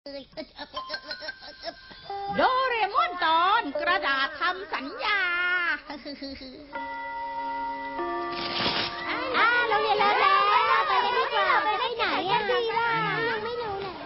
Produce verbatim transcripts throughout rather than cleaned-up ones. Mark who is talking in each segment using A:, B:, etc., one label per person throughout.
A: โดเรมอนตอนกระดาษทำสัญญา
B: อ่าเราเรียนแล้วแล้วไปกันดีกว่าไปได้ไหนอะดีล่ะยังไม่รู้เลย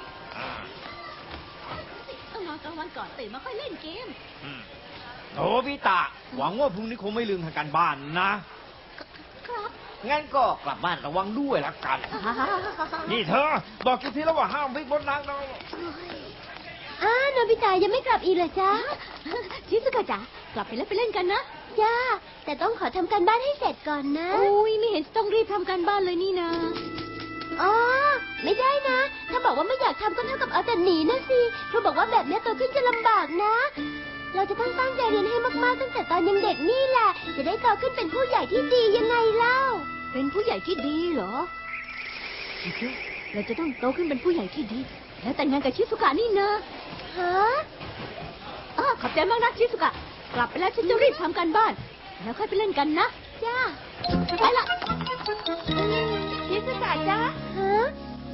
A: ต้องนอนกลางวันก่อนตื่นมาค่อยเล่นเกม
C: โถพี่ตาหวังว่าพรุ่งนี้คงไม่ลืมทำการบ้านนะครับงั้นก็กลับบ้านระวังด้วยละกันนี่เธอบอกกี่ทีแล้วว่าห้ามวิ่งบนทางเรา
B: อ้าโนบิตะยังไม่กลับอีกเหรอจ๊ะ
A: ชิซุกะจ๋ากลับไปแล้วไปเล่นกันนะ
B: จ้าแต่ต้องขอทำการบ้านให้เสร็จก่อนนะ
A: อุ้ยไม่เห็นต้องรีบทำการบ้านเลยนี่นะ
B: อ๋อไม่ได้นะถ้าบอกว่าไม่อยากทำก็เท่ากับเอาแต่หนีนะสิครูบอกว่าแบบนี้โตขึ้นจะลำบากนะเราจะต้องตั้งใจเรียนให้มากๆตั้งแต่ตอนยังเด็กนี่แหละจะได้โตขึ้นเป็นผู้ใหญ่ที่ดียังไงเล่า
A: เป็นผู้ใหญ่ที่ดีเหรอเราจะต้องโตขึ้นเป็นผู้ใหญ่ที่ดีแล้วแต่งงานกับชิซุกะนี่นะ
B: ฮะ
A: อ๋อขอบใจมากนะชิซุกะกลับไปแล้วฉันจะรีบทำการบ้านแล้วค่อยไปเล่นกันนะ
B: จ้า
A: ไปละ
B: ชิซุกะจ้าฮะ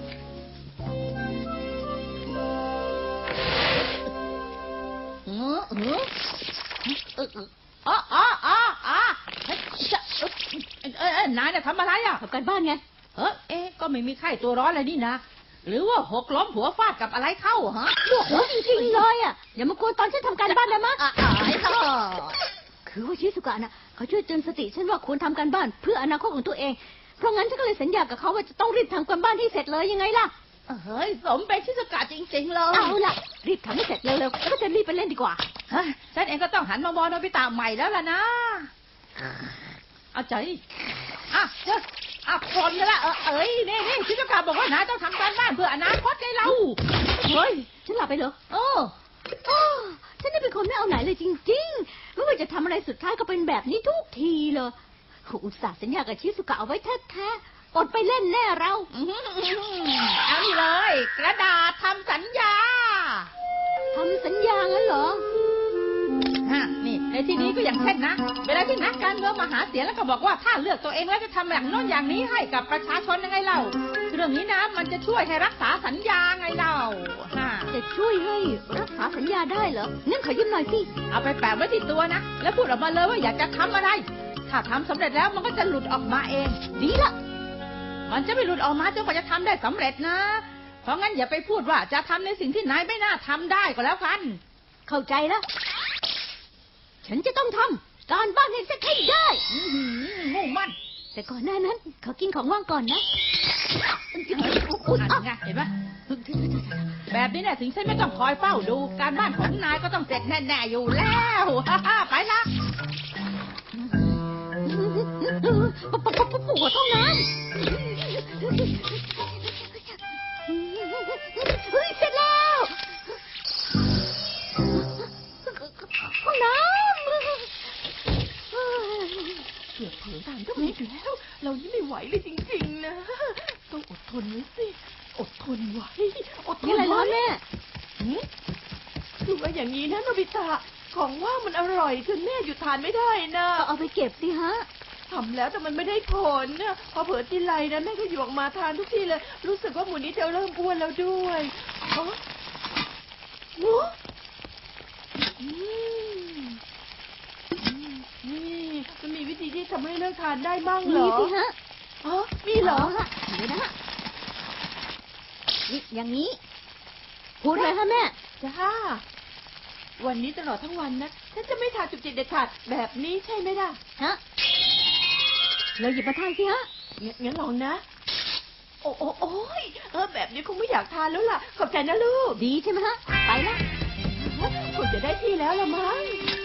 A: เออเออเอออ๋ออ๋ออ๋ออ๋อเออนายเนี่ยทำอะไรอ่ะทำการบ้านไงเออเอ๊ะก็ไม่มีไข้ตัวร้อนอะไรนี่นะหรือว่าหกล้มหัวฟาดกับอะไรเข้าฮะโอ้โหจริงๆเลยอ่ะอย่ามากวนตอนฉันทำการบ้านนะมั้งคือว่าชิซุกะนะเขาช่วยเตือนสติฉันว่าควรทำการบ้านเพื่ออนาคตของตัวเองเพราะงั้นฉันก็เลยสัญญากับเขาว่าจะต้องรีบทำการบ้านให้เสร็จเลยยังไงล่ะเฮ้ยสมเป็นชิซุกะจริงๆเลยเอาล่ะรีบทำให้เสร็จเร็วๆแล้วก็จะรีบไปเล่นดีกว่าฉันเองก็ต้องหันมามองโนบิตะใหม่แล้วล่ะนะเอาใจอ่ะเจ้าอ่ะคนกันละเออเอ้ยนี่นี่ชิซุกะบอกว่านายต้องทำการบ้านเพื่ออนาคตไงเราเฮ้ยฉันหลับไปเหรอโอ้โอ้ฉันนี่เป็นคนไม่เอาไหนเลยจริงๆไม่ว่าจะทำอะไรสุดท้ายก็เป็นแบบนี้ทุกทีเลยอุตส่าห์สัญญากับชิซุกะเอาไว้แท้ๆอดไปเล่นแน่เราเอานี่เลยกระดาษทำสัญญาทำสัญญางั้นเหรอฮะนี่ในที่นี้ก็อย่างเช่นนะเวลาที่นักการเมืองมาหาเสียงแล้วก็บอกว่าถ้าเลือกตัวเองแล้วจะทำอย่างโน้นอย่างนี้ให้กับประชาชนยังไงเล่าเรื่องนี้นะมันจะช่วยให้รักษาสัญญาไงเล่าฮะจะช่วยให้รักษาสัญญาได้เหรองั้นขอยืมหน่อยสิเอาไปแปะไว้ที่ตัวนะแล้วพูดออกมาเลยว่าอยากจะทำอะไรถ้าทำสำเร็จแล้วมันก็จะหลุดออกมาเองดีละมันจะไม่หลุดออกมาจนกว่าจะทำได้สำเร็จนะเพราะงั้นอย่าไปพูดว่าจะทำในสิ่งที่นายไม่น่าทำได้ก็แล้วกันเข้าใจแล้วฉันจะต้องทำการบ้านให้เสร็จให้ได้มุ่งมั่นแต่ก่อนหน้านั้นขอกินของว่างก่อนนะอุ๊ยไงเห็นไหมแบบนี้เนี่ยถึงฉันไม่ต้องคอยเฝ้าดูการบ้านของนายก็ต้องเสร็จแน่ๆอยู่แล้วไปละปวดท้องน้ำเฮ้ยเสร็จแล้วห้องน้ำ
D: เกือบถึงตามก็ไม่แล้วเรานี่ไม่ไหวเลยจริงๆนะต้องอดทนไว้สิอดทนไว้อดทนไว้
A: แม่
D: ดูว่าอย่างนี้นะโนบิตะของว่ามันอร่อยจนแม่หยุดทานไม่ได้นะ
A: เอาไปเก็บสิฮะ
D: ทำแล้วแต่มันไม่ได้ผลนะพอเผลอทีไรนะแม่ก็หยิบออกมาทานทุกทีเลยรู้สึกว่าหมูนี้จะเริ่มอ้วนแล้วด้วยอ๋อหมูนี่มันมีวิธีที่ทำให้เลิกทานได้บ้างเหรอ
A: มีสิฮะ
D: อ๋อมีเหรอ
A: เดี๋ยวนะนี่อย่างนี้พูดเลยฮะแม่
D: จ้าวันนี้ตลอดทั้งวันนะฉันจะไม่ทานจุกจิกเด็ดขาดแบบนี้ใช่ไหมล่ะ
A: ฮะเราหยิบมาทานสิฮะ
D: งั้นลองนะโอ้โอ้โอ้ยเออแบบนี้คงไม่อยากทานแล้วล่ะขอบใจนะลูก
A: ดีใช่ไหมฮะไปละ
D: คงจะได้ที่แล้วละมั้ง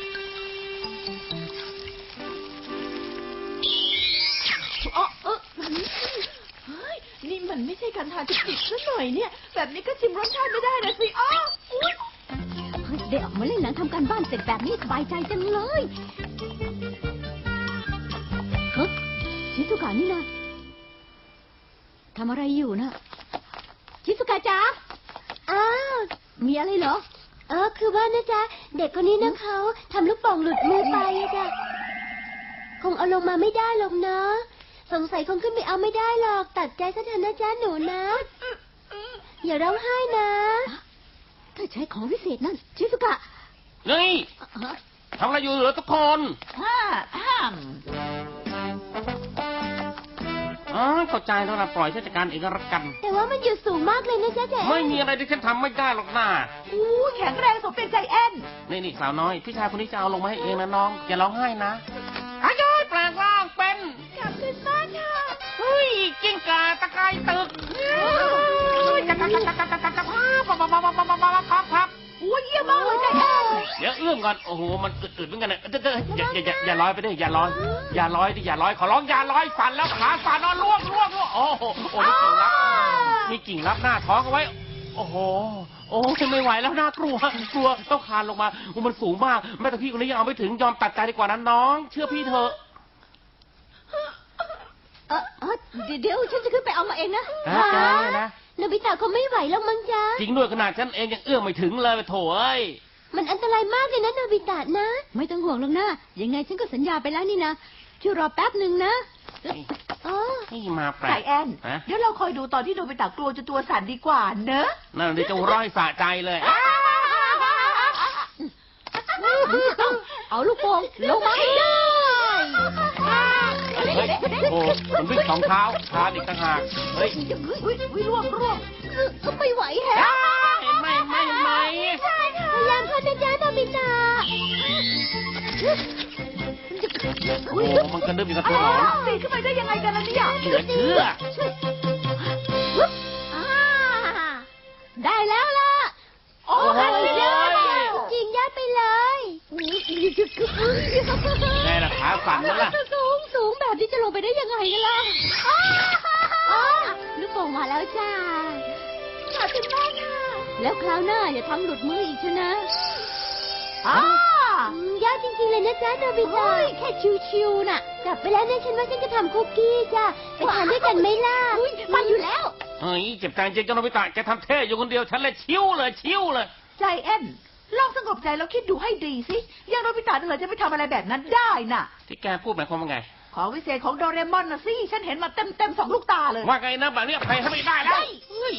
D: อ๋อเออเฮ้ยนี่มันไม่ใช่การทานจุกจิกซะหน่อยเนี่ยแบบนี้ก็ชิมรสชาติไม่ได้นะสิอ๋ออุ๊ย
A: ได้ออกมาเล่นหนังทำการบ้านเสร็จแบบนี้สบายใจจังเลยเฮ้ยชิซุกะนี่นะทำอะไรอยู่นะชิซุกะจ๊ะ
B: อ้าว
A: มีอะไรเหรอ
B: เออคือว่านะจ๊ะเด็กคนนี้นะเขาทำลูกโป่งหลุดมือไปจ้ะคงเอาลงมาไม่ได้หรอกนะสงสัยคงขึ้นไปเอาไม่ได้หรอกตัดใจซะเถอะนะจ๊ะหนูนะอย่าร้องไห้นะ ถ้าใช้ของวิเศษนั่นชิสุกะ
E: นี่ทำอะไรอยู่เหรอทุกคน
A: ฮ่าฮ่าม
E: อ๋อเข้าใจแล้วนะปล่อยฉันจัดการเองก็แล้วกัน
B: แต่ว่ามันอยู่สูงมากเลยนะจ๊ะแจ๊
E: ไม่มีอะไรที่ฉันทำไม่ได้หรอกนะ
D: อู้แข็งแรงสมเป็นใจแอน
E: นี่นี่สาวน้อยพี่ชายคนนี้จะเอาลงมาให้เองนะน้องอย่าร้องไห้นะอายุแปลงร่างเป็น
D: กลับขึ้นบ้านค่ะ
E: เฮ้ยกิ้งก่าตะไคร้ตึกจับจับจับจับจับจับจับพับพับพับพับพับพับพับพับ
D: อู้เยี่ยมมากเลยใจแอน
E: เดี๋ยวเอื้อมก่อนโอ้โหมันอึดๆเหมือนกันนะเด้ออย่าอย่าอย่าอย่าลอยไปดิอย่าลอยอย่าลอยดิอย่าลอยขอร้องอย่าลอยสั่นแล้วขาสั่นนอนล่วงล่วงล่วงโอ้โหโอ้มีกิ่งรับมีกิ่งรับหน้าท้องเอาไว้ โอ้โหโอ้ไม่ไหวแล้วน่ากลัวกลัวต้องคลานลงมาโอ้มันสูงมากแม่แต่พี่คนนี้ยังเอาไม่ถึงยอมตัดใจดีกว่านั้นน้อง เชื่อพี่เถอะ
B: เออเออเดี๋ยวฉันจะขึ้นไปเอามาเองนะ
E: ฮะแกเนี่ยนะ
B: โนบิตะเขาไม่ไหวแล้วมั้งจ๊ะ
E: จริงด้วยขนาดฉันเองยังเอื้อมไม่ถึงเลยโถ่เอ้ย
B: มันอันตรายมากเลยนะโนบิตะนะ
F: ไม่ต้องห่วงหรอกนะยังไงฉันก็สัญญาไปแล้วนี่นะช่วยรอแป๊บหนึ่งนะ
B: อ๋อ
E: นี่มาแปล
D: ใจ
E: ก
D: แอน
E: ฮะ
D: เดี๋ยวเราคอยดูตอนที่โนบิตะกลัวจนตัวสั่นดีกว่าเนอะ
E: นั่นเดี๋ยวจะร้อยสะใจเลย
F: เอาลูกโป่งลงมาให้ได้
E: เฮ้ยเฮ้ยโอ้มันวิ่งสองเท้าคลานอีกต่างหากเฮ้ย
D: อุ้ยอุ้ยร่วงร่วง
B: ก็ไม่ไหวแฮะ
E: ไม่ไม่ไม่
B: พยายามเข้านะจ๊ะโนบิตะ
E: โอ้มันกระดึ๊บอยู่กับตัวหนอน
D: ปีนขึ้นไปได้ยังไงกันล่ะเนี่ย
E: เหลือเชื่อ
B: อ่าได้แล้วล่ะ
D: โอ้
E: โอ้โห
B: จริงยัดไปเลย
E: ไงล่ะขาสั่นแล้วล่ะ
F: สูงสูงแบบนี้จะลงไปได้ยังไงกันล่ะ
B: อ๋อลูกโป่งมาแล้วจ้าขอบคุณมากค่ะ
F: แล้วคราวหน้าอย่าทำหลุดมืออีกเชยวนะ
D: อ่า
B: อืมยอดจริงๆเลยนะจ๊ะโนบิตะ
F: แค่ชิวๆน่ะ
B: กลับไปแล้วเนี่ยฉันว่าฉันจะทำคุกกี้จ้ะไปทานด้วยกันไหมล่ะ
F: ไปอยู่แล้ว
E: เฮ้ยเจ็บใจจริงจังโนบิตะแกทำเท่อยู่คนเดียวฉันเลยชิวเลยชิวเลย
D: ใจแอนลองสงบใจแล้วคิดดูให้ดีสิอย่างโนบิตะเหรอจะไปทำอะไรแบบนั้นได้น่ะ
E: ที่แกพูดหมายความว่าไง
D: ของวิเศษของโดเรมอนนะสิฉันเห็นมาเต็มเต็มๆสองลูกตาเลย
E: ว่าไงนะแบบนี้ใครให้ไม่ได้แล้วเฮ้ย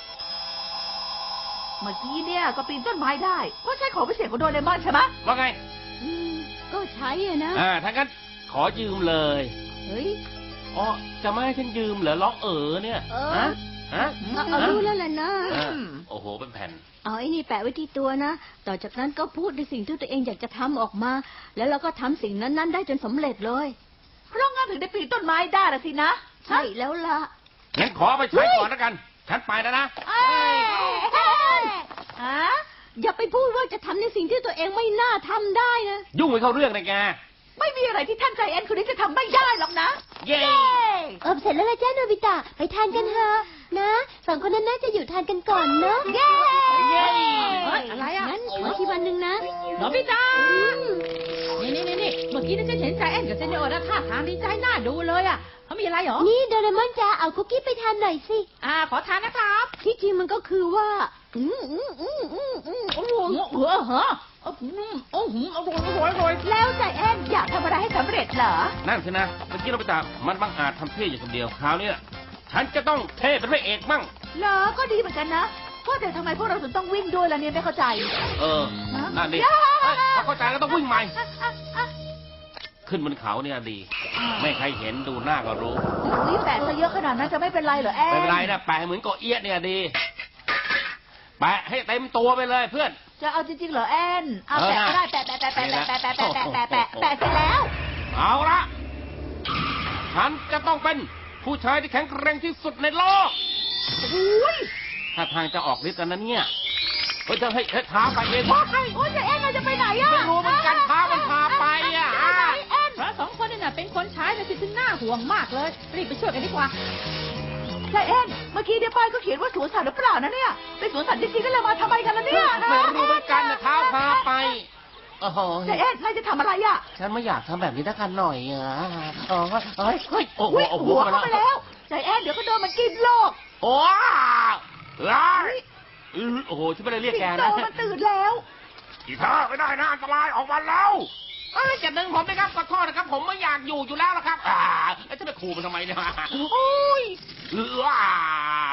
D: เมื่อกี้เนี่ยก็ปีนต้นไม้ได้เพราะใช้ของวิเศษของโดเรมอนใช่ไหม
E: ว่าไง
F: อืมก็ใช้อะนะ
E: อ่าถ้างั้นขอยืมเลย
F: เฮ้ย
E: อ๋อจะไม่ให้ฉันยืมเหรอร้องเอ๋อเนี่ย
F: เออ
E: ฮะฮะ
F: เอาเอารู้แล้วแหละนะ
E: อ่าโอ้โหเป็นแผ่น
F: เอาไอ้นี่แปะไว้ที่ตัวนะ ต่อจากนั้นก็พูดในสิ่งที่ตัวเองอยากจะทำออกมา แล้วเราก็ทำสิ่งนั้นๆ ได้จนสำเร็จเลย
D: เพราะงั้นถึงได้ปีนต้นไม้ได้ละสินะ
F: ใช่แล้วล่ะ
E: งั้นขอไปใช้ก่อนแล้วกัน ฉันไปแล้วนะ
D: เอ้ยฮะ
F: อย่าไปพูดว่าจะทำในสิ่งที่ตัวเองไม่น่าทำได้นะ
E: ยุ่งไปเข้าเรื่องเลยแก
D: ไม่มีอะไรที่ท่านใจแอนคนนี้จะทำไม่ได้หรอกนะ
E: เย้
B: เออเสร็จแล้วละจ้าโนบิตะไปทานกันเถอะนะสองคนนั้นน่าจะอยู่ทานกันก่อนเนอะ
D: เย้
E: เย้
A: เฮ้ยอะไรอ่ะ
F: งั้นขอที่วันหนึ่งนะ
A: โนบิตะนี่นี่นี่นี่เมื่อกี้นี่ฉันเห็นใจแอนกับเซนเนโอนะท่าทางดีใจน่าดูเลยอ่ะเขามีอะไรเหรอ
B: นี่โดเรมอนจ้าเอาคุกกี้ไปทานหน่อยสิ
A: อ่าขอทานนะครับ
F: ที่จริงมันก็คือว่า อืมอืมอืมอืมอืม
A: โอ้โหเออเหรอโอ้โหโอ้โหอร่อยอร่อยอร่อย
D: แล้วใจแอนอยากทำอะไรให้สำเร็จเหรอ
E: นั่นสินะ เมื่อกี้เราไปตามมันบังอาจทำเท่อยู่คนเดียว คราวนี้ฉันจะต้องเท่เป็นพระเอกมั่ง
D: เหรอ ก็ดีเหมือนกันนะเพราะแต่ทำไมพวกเราถึงต้องวิ่งด้วยล่ะเนี่ยไม่เข้าใจ
E: เออ นั่นดิเฮ้ยถ้าเข้าใจก็ต้องวิ่งใหม่ ขึ้นบนเขาเนี่ยดี ไม่ใครเห็นดูหน้าก็รู้
D: นี่แปะซะเยอะขนาดนั้นจะไม่เป็นไรเหรอแอน
E: ไม่เป็นไรนะแปะเหมือนเกาะเอี้ยเนี่ยดี แปะให้เต็มตัวไปเลยเพื่อน
D: จะเอาจริงๆเหรอแอนเอา
E: เออ
D: แปะก็ได้แปะแปะแปะแปะแปะแปะแปะแปะแปะแปะแปะเสร็จแล้ว
E: เอาละ ฉันจะต้องเป็นผู้ชายที่แข็งแกร่งที่สุดในโลก
D: อุ้ย
E: ถ้าทางจะออกฤทธิ์แล้วนะเนี่ยเฮ้ยจะให้ให้ท้าไปเอง
D: ว้า
E: ไม่
D: ยโอ้ยใจแอนเราจะไปไหนอะ
E: รู้เหมือนกันท้ามันพาไปอ่ะอ่ะ
D: แอน
A: พระสองคนนี่น่ะเป็นคนใช้แต่สิถึงน่าห่วงมากเลย รีบไปช่วยกันดีกว่า
D: ใจแอนเมื่อกี้เดี๋ยวป้ายก็เขียนว่าสวนสัตว์หรือเปล่านะเนี่ยเป็นสวนสัตว์จริงๆก็เลยมาทำไมกันล่ะเนี่ย
E: ไม่รู้เหมือนกันนะเท้าพาไปโอ้โห
D: ใจแอนนายจะทำอะไรอะ
E: ฉันไม่อยากทำแบบนี้ทักกันหน่อยอ่ะอ๋อเฮ้ยเฮ้ยโอ้โห
D: อุ้ย
E: โอ้โห
D: หัว
E: มา
D: เข้าไป
E: แล้
D: แล้ว วใจแอนเดี๋ยวก็โดนมันกินโลก
E: โอ้ร้ายโอ้โหฉันไม่ได้เรียก
D: สิ
E: แก
D: งโต
E: นะ
D: มันตื่นแล้ว
E: อีเธอไม่ได้นะอันตรายออกมาแล้วเอ้ยจะดึงผมนะครับขอโทษนะครับ ผมไม่อยากอยู่อยู่แล้วละครับ อ่าแล้วจะไปขู่มันทำไมเนี่ยโอ้ยว้าว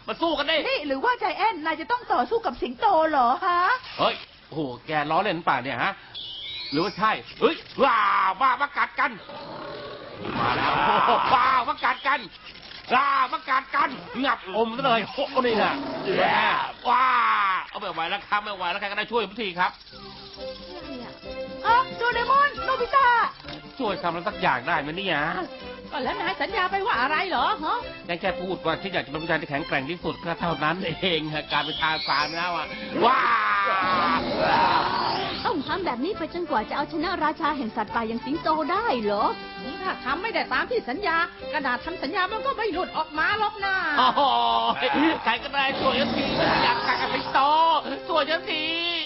E: มาสู้กันดิ
D: นี่หรือว่าใจแอนนายจะต้องต่อสู้กับสิงโตเหรอฮะ
E: เฮ้ยโอ้โหแกล้อเล่นป่ะเนี่ยฮะหรือว่าใช่เฮ้ยว้าวว้ามากัดกันมาแล้วโอ้โหว้าวมากัดกันว้ามากัดกันงับอมซะเลยโอ้โหนี่นะแย่ว้าเอาไม่ไหวแล้วครับไม่ไหวแล้วใครก็ได้ช่วยผมทีครับ
D: อ่ะโดเรมอนโนบิตะ
E: ช่วยทำอะไรสักอย่างได้ไหมเนี่ย
A: ก็แล้วนายสัญญาไปว่าอะไรเหรอฮะ
E: ยังแค่พูดว่าฉันอยากจะเป็นผู้ชายที่แข็งแกร่งที่สุดก็เท่านั้นเองฮะการเป็นทาสานนะว่าว้า
F: ต้องทำแบบนี้ไปจนกว่าจะเอาชนะราชาแห่งสัตว์ป่าอย่างสิงโตได้เหรอ
A: ถ้าทำไม่ได้ตามที่สัญญากระดาษทำสัญญามันก็ไม่หลุดออกมาหรอกนะ
E: โอ้โหใครก็ได้ช่วยฉันทีอยากกัดกับสิงโตช่วยฉันที